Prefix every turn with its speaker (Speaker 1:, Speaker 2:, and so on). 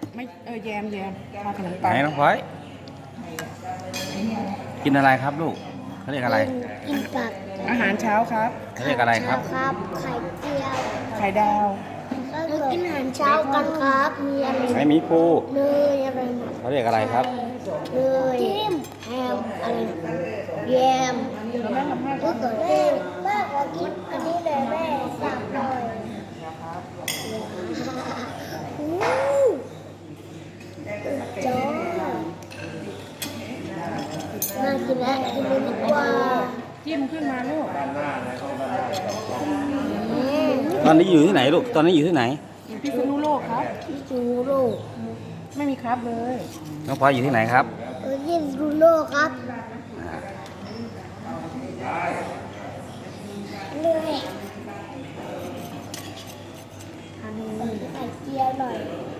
Speaker 1: ไม่แยมทาขนม
Speaker 2: ไหน
Speaker 1: ปัง
Speaker 2: น้องพลอยกินอะไรครับลูกเขาเรียกอะไร
Speaker 3: กินผัก
Speaker 1: อาหารเช้าครับ
Speaker 2: เขาเรียกอะไรครับ
Speaker 3: ครับไข่เจียว
Speaker 1: ไข่ดาว
Speaker 3: เรากินอาหารเช้ากันครับ มีอะไร
Speaker 2: ไหนหมีภู
Speaker 3: เนยอะไรนะ
Speaker 2: เขาเรียกอะไรครับ
Speaker 3: เนยแฮมอะไรนะแยม
Speaker 1: แล้วแม่ทำให้ค
Speaker 3: ก็
Speaker 1: รับ
Speaker 3: เกิดแม่ขอกินอันนี้เลยแม่สับหน่อยอู้จ้าน่ากินแล้วกินเลยดีกว่า
Speaker 1: จิ้มขึ้นมาลูก
Speaker 2: ตอนนี้อยู่ที่ไหนลูกตอนนี้อยู่ที่ไหน
Speaker 1: อยู่พิษณุโลกครับ
Speaker 3: ที่จูโร่
Speaker 1: ไม่มีครับเลย
Speaker 2: น้องพลอยอยู่ที่ไหนครับ
Speaker 3: ที่จูโร่ครับเลยอันนี้ไข่เจียวหน่อย